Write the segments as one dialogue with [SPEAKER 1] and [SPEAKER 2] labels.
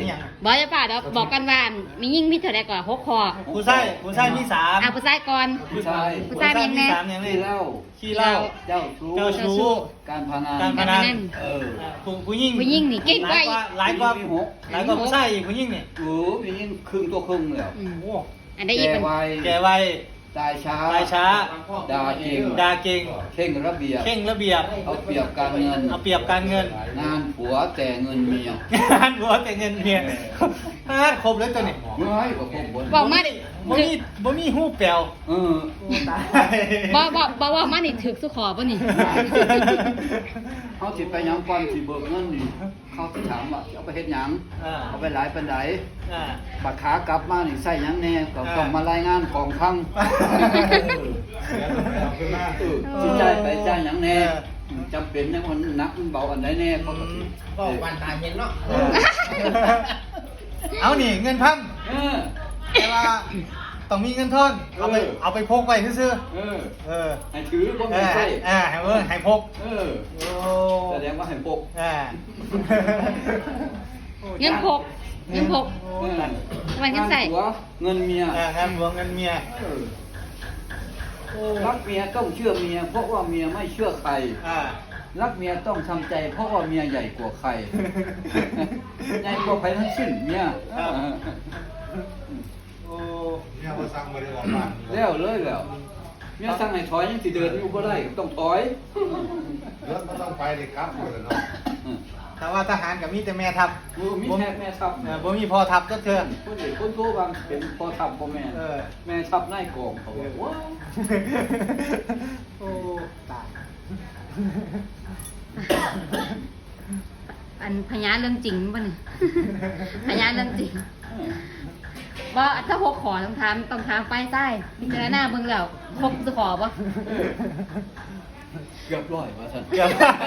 [SPEAKER 1] ยัง
[SPEAKER 2] บอกจะป่าเดี๋ยวบอกกันว่ามียิ่งมีเท่าไรก่อน6 ข้อ
[SPEAKER 1] ผู้ชายมี3
[SPEAKER 2] ผู้ชายก่อน
[SPEAKER 3] ผู้ชาย
[SPEAKER 2] ผู้ชายมียังไง
[SPEAKER 1] 3อย่างนี้
[SPEAKER 3] ขี้เหล้า
[SPEAKER 1] เจ้า
[SPEAKER 3] เจ้าชู้
[SPEAKER 1] ชู้
[SPEAKER 3] การพนัน
[SPEAKER 1] การพนัน ผู้หญิง
[SPEAKER 2] ผู้หญิงนี่เก่งกว่า
[SPEAKER 1] หลายกว่า
[SPEAKER 3] มี6
[SPEAKER 1] หลายกว่าผู้ชายอีกผู้หญิงนี่
[SPEAKER 3] มียิ่งครึ่งตัวครึ่งเลย
[SPEAKER 1] โอ้
[SPEAKER 2] อันได้อีก
[SPEAKER 3] แก่
[SPEAKER 2] เป็น
[SPEAKER 3] วัย
[SPEAKER 1] แก่วัย
[SPEAKER 3] ตายช้า
[SPEAKER 1] ตายช้า
[SPEAKER 3] ด่าเก่ง
[SPEAKER 1] ด่าเก่ง
[SPEAKER 3] เข่งระเบียบ
[SPEAKER 1] เข่งระเบียบ
[SPEAKER 3] เอาเปรียบการเงิน
[SPEAKER 1] เอาเปรียบการเงิน
[SPEAKER 3] งานผัวแต่เงินเมีย
[SPEAKER 1] งานหัวแต่เงินเมียครบแล้วตัวนี้
[SPEAKER 3] เมื่อให้กับผมบน
[SPEAKER 2] บอกมาดิ
[SPEAKER 1] บ่มีหูแปลว
[SPEAKER 3] เออ
[SPEAKER 1] ตาย
[SPEAKER 2] บอกว่ามานี่ถึกสุขอป่ะนี่
[SPEAKER 3] เขาสิไปหยังก่อนสิเบิกเงินนี่เขาสิถามว่าเอาไปเฮ็ดหยังเอาไปหลายปานใดบัดขากลับมานี่ใส่หยังแน่ก็ต้องมารายงานกองคลังสิจ่ายไปจ่ายหยังแน่จำเป็นในวันหนักมันเบาอันใดแน่เขาก็สิ
[SPEAKER 4] ก็วันตายเห็นเนาะ
[SPEAKER 1] เอานี่เงินพัน
[SPEAKER 3] เออ
[SPEAKER 1] แต่ว่าต้องมีเงินทอนเอาไปพกไว้ซื่อ
[SPEAKER 3] เออ
[SPEAKER 1] เออ
[SPEAKER 3] ให้ถือบ่มีใส่
[SPEAKER 1] ให้พก
[SPEAKER 3] เออ
[SPEAKER 1] โอ้
[SPEAKER 3] แสดงว่าให้ปก
[SPEAKER 2] เงินพกเงินพก วันเงินใส่
[SPEAKER 3] หัวเงินเมีย
[SPEAKER 1] งานหลวงเงินเมีย
[SPEAKER 3] รักเมียต้องเชื่อเมียเพราะว่าเมียไม่เชื่อใคร รักเมียต้องทำใจเพราะว่าเมียใหญ่กว่าใคร ใหญ่กว่าใครทั้งสิ้นเมีย
[SPEAKER 1] โอ้
[SPEAKER 5] เนี่ยว่าสั่งบริวารบ้าน
[SPEAKER 3] แล้วเลยแล้วเมียสั่งให้ถอยยังสิเดินอยู่บ่ได้ต้องถอย
[SPEAKER 5] รถมันต้องไปเลยครับหมดเลยเนาะ
[SPEAKER 1] แต่ว่าทหารกับมีแต่แม่ทัพ
[SPEAKER 3] มีแม่แม่ทัพ
[SPEAKER 1] บ่มีพ่อทัพก็เชิญ
[SPEAKER 3] คนเด็กคนโตบางเป็นพ่อทัพพ่อแม่แม่ทัพนายกองเขาว่าว้าว
[SPEAKER 1] โอ้ตาย
[SPEAKER 2] อันพยานเรื่องจริงป่ะนี่ พยานเรื่องจริงบ่ถ้า6 ข้อต้องถามไปใต้พิจารณาเบิ่งแล้วครบสุขอป่ะ
[SPEAKER 3] เกือบร้อยว่าท่าน
[SPEAKER 1] เกือบ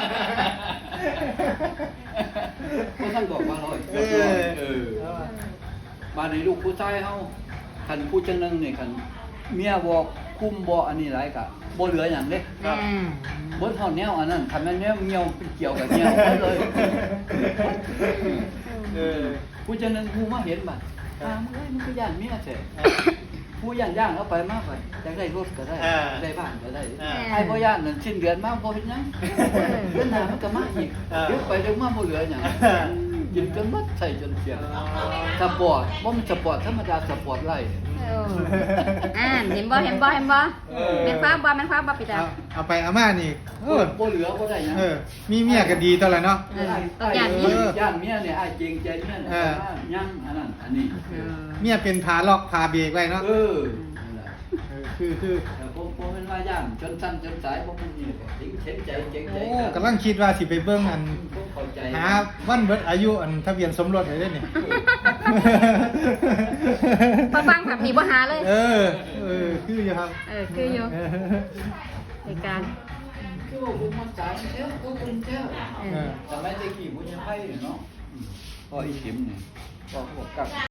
[SPEAKER 3] เพราะท่านบอกว่าร้อยเกือบร้อยมาในลูกผู้ชายเฮาคันผู้จังนึงนี่คันเมียบอกคุ้มบ่อันนี้หลายกะบ่เหลือหยังเด้บ่เท่าแนวอันนั้นคันแม่นแนวเมียวเกี่ยวกับเมียวเลย ผู้จังนึงผู้มาเห็นบัดถามเอ้ยมันก็ย่านเมียแท้ผู้ย่านเอาไปมากไปอยากได้รถก็ได้ได้บ้านก็ได้ไอ้บ่ย่านนั่นสิ้นเดือนมาบ่เฮ็ดหยังเดือนหน้ามันก็มาอีกเดี๋ยวไปเดี๋ยวมาบ่เหลือหยังกินจนหมดใส่จนเสียสปอร์ตบ่มันสปอร์ตธรรมดาสปอร์ตไล่
[SPEAKER 2] เห็นบ่แม่นฟ้าบ่ปิดอ่ะ
[SPEAKER 1] เอาไปเอามานี่
[SPEAKER 3] บ่เหลือบ่ได้หยัง
[SPEAKER 1] มีเมียก็ดีตอนละเนาะ
[SPEAKER 2] ต้องย่านนี้
[SPEAKER 3] ย่านเมียเนี่ยอ้ายเกรงใจเมียเนี่ยยังอันนั้นอันนี้
[SPEAKER 1] เมียเป็นพาล็อกพาเบรกไว้เนาะ คือ
[SPEAKER 3] ผมเป็นว่าย่านจนสั้นจนสายผมมันนี่ถึงเข็นใจเกรงใจ
[SPEAKER 1] โอ้กำลังคิดว่าสิไปเบิ่งอัน
[SPEAKER 3] เข้าใจ
[SPEAKER 1] หาวันเบิดอายุอันทะเบียนสมรสให้ได้นี่
[SPEAKER 2] ฟังแบบนี้บ่หาเลย
[SPEAKER 1] คืออยู่ครับ
[SPEAKER 2] คืออยู่ในการ
[SPEAKER 3] คือว่าผมมันสายเจ้าก็เป็นเจ้าแต่ไม่ได้กี่บุญยังไพ่เนาะพออีขิมเนี่ยก็บอกกับ